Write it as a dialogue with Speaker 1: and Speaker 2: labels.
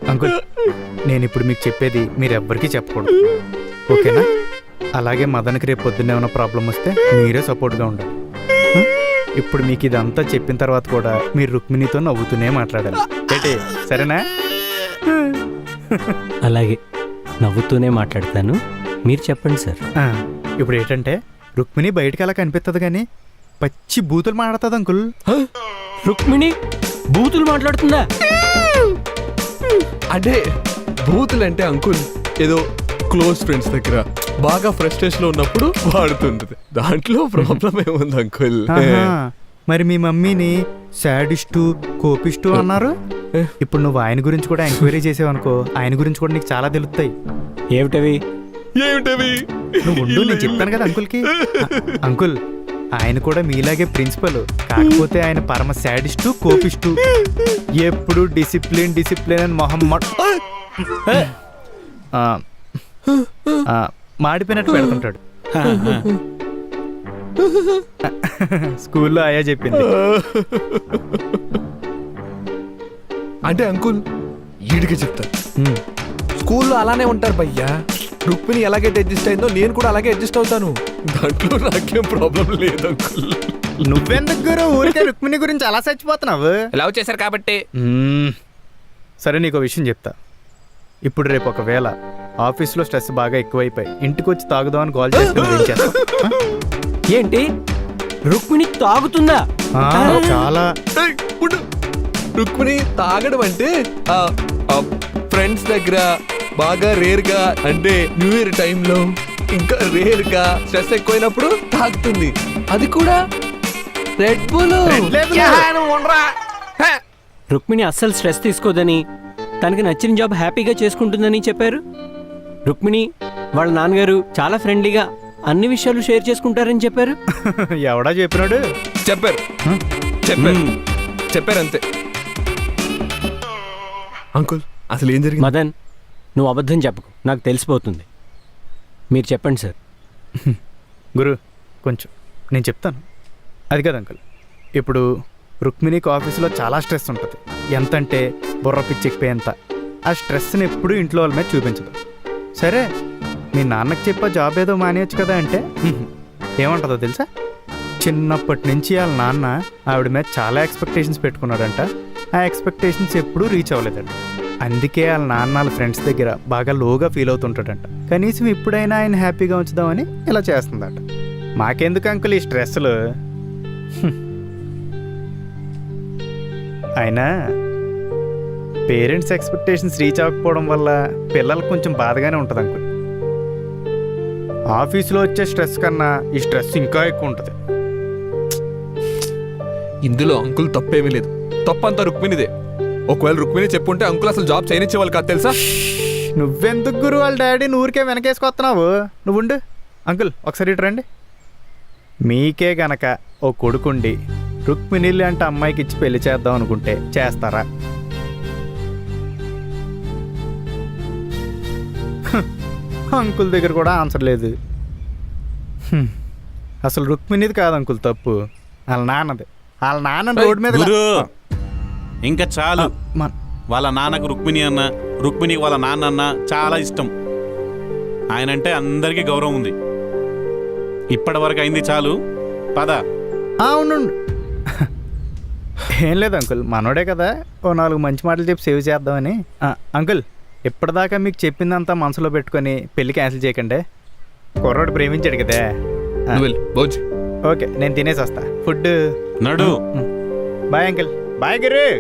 Speaker 1: Uncle నేను ఇప్పుడు మీకు చెప్పేది మీరు ఎవ్వరికీ చెప్పకూడదు, ఓకేనా? అలాగే మదన్కి రేపు పొద్దున్నే ఏమైనా ప్రాబ్లం వస్తే మీరే సపోర్ట్గా ఉండాలి. ఇప్పుడు మీకు ఇదంతా చెప్పిన తర్వాత కూడా మీరు రుక్మిణితో నవ్వుతూనే మాట్లాడాలి, ఏంటి? సరేనా?
Speaker 2: అలాగే నవ్వుతూనే మాట్లాడతాను, మీరు చెప్పండి సార్.
Speaker 1: ఇప్పుడు ఏంటంటే రుక్మిణి బయటకు అలా కనిపిస్తుంది కానీ పచ్చి బూతులు మాట్లాడుతుంది అంకుల్.
Speaker 2: రుక్మిణి బూతులు మాట్లాడుతుందా?
Speaker 3: అంటే బూతులు అంటే అంకుల్ ఏదో క్లోజ్ ఫ్రెండ్స్ దగ్గర బాగా ఫ్రస్ట్రేషన్ లో ఉన్నప్పుడు వాడుతుంటది, దాంట్లో ప్రాబ్లం ఏముంది అంకుల్?
Speaker 1: మరి మీ మమ్మీని సాడిస్టు కోపిస్టు అన్నారు. ఇప్పుడు నువ్వు ఆయన గురించి కూడా ఎంక్వైరీ చేసావనుకో, ఆయన గురించి కూడా నీకు చాలా తెలుస్తాయి.
Speaker 2: ఏమిటవి?
Speaker 1: నువ్వు ఉండు, నేను చెప్తాను కదా అంకుల్కి. అంకుల్ ఆయన కూడా మీలాగే ప్రిన్సిపల్, కాకపోతే ఆయన పరమ సాడిస్టు కోపిస్టు. ఎప్పుడు డిసిప్లిన్ డిసిప్లిన్ అని మొహమ్మద్ మాడిపోయినట్టు పెడుతుంటాడు. స్కూల్లో అయ్యా చెప్పింది.
Speaker 3: అంటే అంకుల్ ఈడికి చెప్తాను, స్కూల్లో అలానే ఉంటారు భయ్యా. రుక్మిణి ఎలాగైతే అడ్జస్ట్ అయిందో నేను కూడా అలాగే అడ్జస్ట్ అవుతాను, దాంట్లో నాకేం ప్రాబ్లం లేదు అంకుల్.
Speaker 1: నువ్వెందుకు గురు ఊరికే రుక్మిణి గురించి అలా చచ్చిపోతున్నావు?
Speaker 3: లవ్ చేశారు కాబట్టి.
Speaker 1: సరే నీకు విషయం చెప్తా. ఇప్పుడు రేపు ఒకవేళ ఆఫీస్లో స్ట్రెస్ బాగా ఎక్కువైపోయి ఇంటికి వచ్చి తాగుదామని కాల్ చేస్తే
Speaker 2: ఏంటి రుక్మిణి తాగుతుందా?
Speaker 1: చాలా.
Speaker 3: రుక్మిణి తాగడం అంటే ఫ్రెండ్స్ దగ్గర బాగా రేర్ గా, అంటే న్యూ ఇయర్ టైంలో ఇంకా రేర్ గా స్ట్రెస్ ఎక్కువైనప్పుడు తాగుతుంది, అది కూడా రెడ్ బుల్.
Speaker 2: రుక్మిణి అస్సలు స్ట్రెస్ తీసుకోదని, తనకి నచ్చిన జాబ్ హ్యాపీగా చేసుకుంటుందని చెప్పారు. రుక్మిణి వాళ్ళ నాన్నగారు చాలా ఫ్రెండ్లీగా అన్ని విషయాలు షేర్ చేసుకుంటారని చెప్పారు.
Speaker 1: ఎవడా చెప్పినాడు?
Speaker 3: చెప్పారు అంతే. అంకుల్ అసలు ఏం జరిగింది?
Speaker 2: మదన్ నువ్వు అబద్ధం చెప్పకు, నాకు తెలిసిపోతుంది. మీరు చెప్పండి సార్.
Speaker 1: గురు కొంచెం నేను చెప్తాను. అది కదా అంకుల్, ఇప్పుడు రుక్మిణికి ఆఫీసులో చాలా స్ట్రెస్ ఉంటుంది, ఎంతంటే బుర్ర పిచ్చెక్కిపోయేంత. ఆ స్ట్రెస్ని ఎప్పుడూ ఇంట్లో వాళ్ళ మీద చూపించదు. సరే మీ నాన్నకి చెప్పా జాబ్ ఏదో మానేయచ్చు కదా అంటే ఏమంటుందో తెలుసా? చిన్నప్పటి నుంచి వాళ్ళ నాన్న ఆవిడ మీద చాలా ఎక్స్పెక్టేషన్స్ పెట్టుకున్నాడంట. ఆ ఎక్స్పెక్టేషన్స్ ఎప్పుడూ రీచ్ అవ్వలేదంట. అందుకే వాళ్ళ నాన్న వాళ్ళ ఫ్రెండ్స్ దగ్గర బాగా లోగా ఫీల్ అవుతుంటాడంట. కనీసం ఇప్పుడైనా ఆయన హ్యాపీగా ఉంచుదామని ఇలా చేస్తుందట. మాకెందుకు అంకుల్ ఈ స్ట్రెస్లు? అయినా పేరెంట్స్ ఎక్స్పెక్టేషన్స్ రీచ్ అవ్వకపోవడం వల్ల పిల్లలకు కొంచెం బాధగానే ఉంటుంది అంకుల్. ఆఫీసులో వచ్చే స్ట్రెస్ కన్నా ఈ స్ట్రెస్ ఇంకా ఎక్కువ ఉంటుంది.
Speaker 3: ఇందులో అంకుల్ తప్పేమీ లేదు, తప్పంతా రుక్మిణిదే. ఒకవేళ రుక్మిణి చెప్పుంటే అంకుల్ అసలు జాబ్ చేయనిచ్చేవాళ్ళు కాదు తెలుసా?
Speaker 1: నువ్వెందుకు గురు వాళ్ళ డాడీని ఊరికే వెనకేసుకొస్తున్నావు? నువ్వు ఉండు అంకుల్, ఒకసారి ఇటు రండి. మీకే గనక ఓ కొడుకుండి రుక్మిణి అంటే అమ్మాయికి ఇచ్చి పెళ్లి చేద్దాం అనుకుంటే చేస్తారా? అంకుల్ దగ్గర కూడా ఆన్సర్ లేదు. అసలు రుక్మిణిది కాదు అంకుల్ తప్పు, వాళ్ళ నాన్నది. వాళ్ళ నాన్న రోడ్డు మీద.
Speaker 4: ఇంకా చాలు. వాళ్ళ నాన్నకు రుక్మిణి అన్న, రుక్మిణికి వాళ్ళ నాన్న అన్న చాలా ఇష్టం. ఆయనంటే అందరికీ గౌరవం ఉంది. ఇప్పటి వరకు అయింది చాలు, పద.
Speaker 1: అవును, ఏం లేదు అంకుల్, మనోడే కదా, ఓ 4 మంచి మాటలు చెప్పి సేవ్ చేద్దామని. అంకుల్ ఇప్పటిదాకా మీకు చెప్పిందంతా మనసులో పెట్టుకొని పెళ్లి క్యాన్సిల్ చేయకండి. కుర్రోడు ప్రేమించాడు కదా.
Speaker 3: ఓకే
Speaker 1: నేను తినేసి వస్తా. ఫుడ్
Speaker 4: నడు.
Speaker 1: Bye uncle. బాయ్ గిరి.